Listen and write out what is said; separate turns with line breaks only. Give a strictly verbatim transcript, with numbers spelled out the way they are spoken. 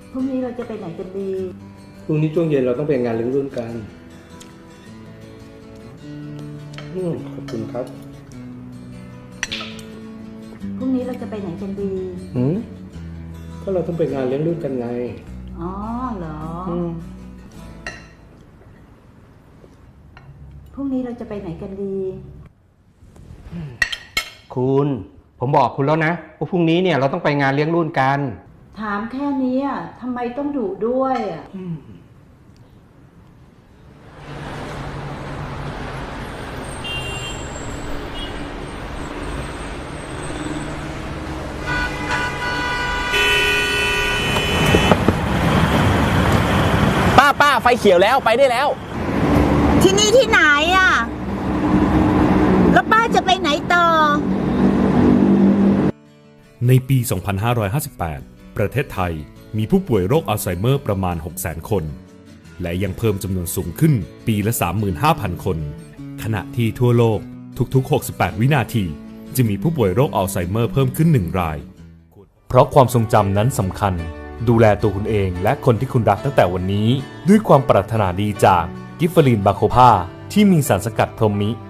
พรุ่งนี้เราจะไปไหนกันดี
พรุ่งนี้ช่วงเย็นเราต้องไปงานเลี้ยงรุ่นกันอืมขอบคุณครับ
พรุ่งนี้เราจะไปไหนกันดี
อืมก็เราต้องไปงานเลี้ยงรุ่นกันไง
อ๋อเหรออืมพรุ่งนี้เราจะไปไหนกันดี
คุณผมบอกคุณแล้วนะว่าพรุ่งนี้เนี่ยเราต้องไปงานเลี้ยงรุ่นกัน
ถามแค่นี้อ่ะทำไมต้องดุด้วยอ่ะ
ป้าป้าไฟเขียวแล้วไปได้แล้ว
ที่นี่ที่ไหนอ่ะแล้วป้าจะไปไหนต่อ
ในปี สองพันห้าร้อยห้าสิบแปด ประเทศไทยมีผู้ป่วยโรคอัลไซเมอร์ประมาณ หกแสน คน และยังเพิ่มจำนวนสูงขึ้นปีละ สามหมื่นห้าพัน คน ขณะที่ทั่วโลกทุกๆ หกสิบแปด วินาทีจะมีผู้ป่วยโรคอัลไซเมอร์เพิ่มขึ้นหนึ่งราย เพราะความทรงจำนั้นสำคัญดูแลตัวคุณเองและคนที่คุณรักตั้งแต่วันนี้ด้วยความปรารถนาดีจากกิฟเฟอรีนบาโคพาที่มีสารสกัดพรหมิ